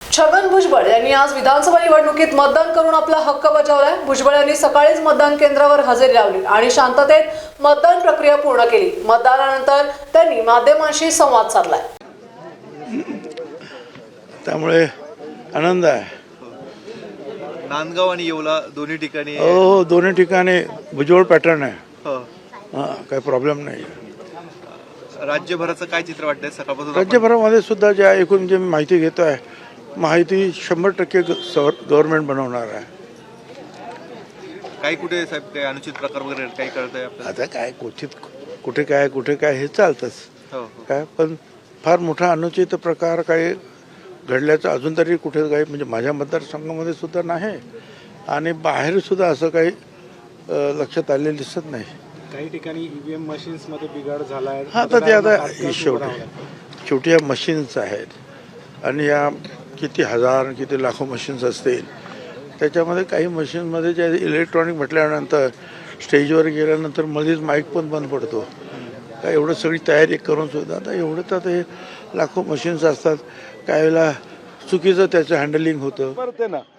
छगन भुजबळ यांनी आज विधानसभा निवडणुकीत मतदान करून आपला हक्क बजावलाय। भुजबळ यांनी सकाळीच मतदान केंद्रावर हजेरी लावली आणि शांततेत मतदान प्रक्रिया पूर्ण केली। मतदानानंतर त्यांनी माध्यमांशी संवाद साधलाय। त्यामुळे आनंद आहे। नांदगाव आणि येवला दोन्ही ठिकाणी हो, दोन्ही ठिकाणी भुजबळ पॅटर्न आहे। हो. काही प्रॉब्लेम नाही। राज्यभराचं काय चित्र वाटतंय सकाळपासून? राज्यभरामध्ये सुद्धा ज्या एकूण जे माहिती घेतो आहे, माहिती 100% गव्हर्नमेंट बनवणार आहे। काही कुठे साहेब काही अनुचित प्रकार वगैरे काही कळतंय आपल्याला? आता काय कुठे काय हे चालतंच। हो. काय पण फार मोठा अनुचित प्रकार काही घडल्याचं अजून तरी कुठे काही म्हणजे माझ्या मतदारसंघामध्ये सुद्धा नाही आणि बाहेर सुद्धा असं काही लक्षात आलेलं दिसत नाही। काही ठिकाणी ईव्हीएम मशीन्स मध्ये बिघाड झाला आहे। हा, तर ते आता शेवटी या मशीन्स आहेत आणि या किती हजार किती लाखो मशीन्स असतील, त्याच्यामध्ये काही मशीनमध्ये जे इलेक्ट्रॉनिक म्हटल्यानंतर स्टेजवर गेल्यानंतर मध्येच माईक पण बंद पडतो। काय एवढं सगळी तयारी करून सुद्धा आता एवढं तर हे लाखो मशीन्स असतात, काही वेळेला चुकीचं त्याचं हँडलिंग होतं।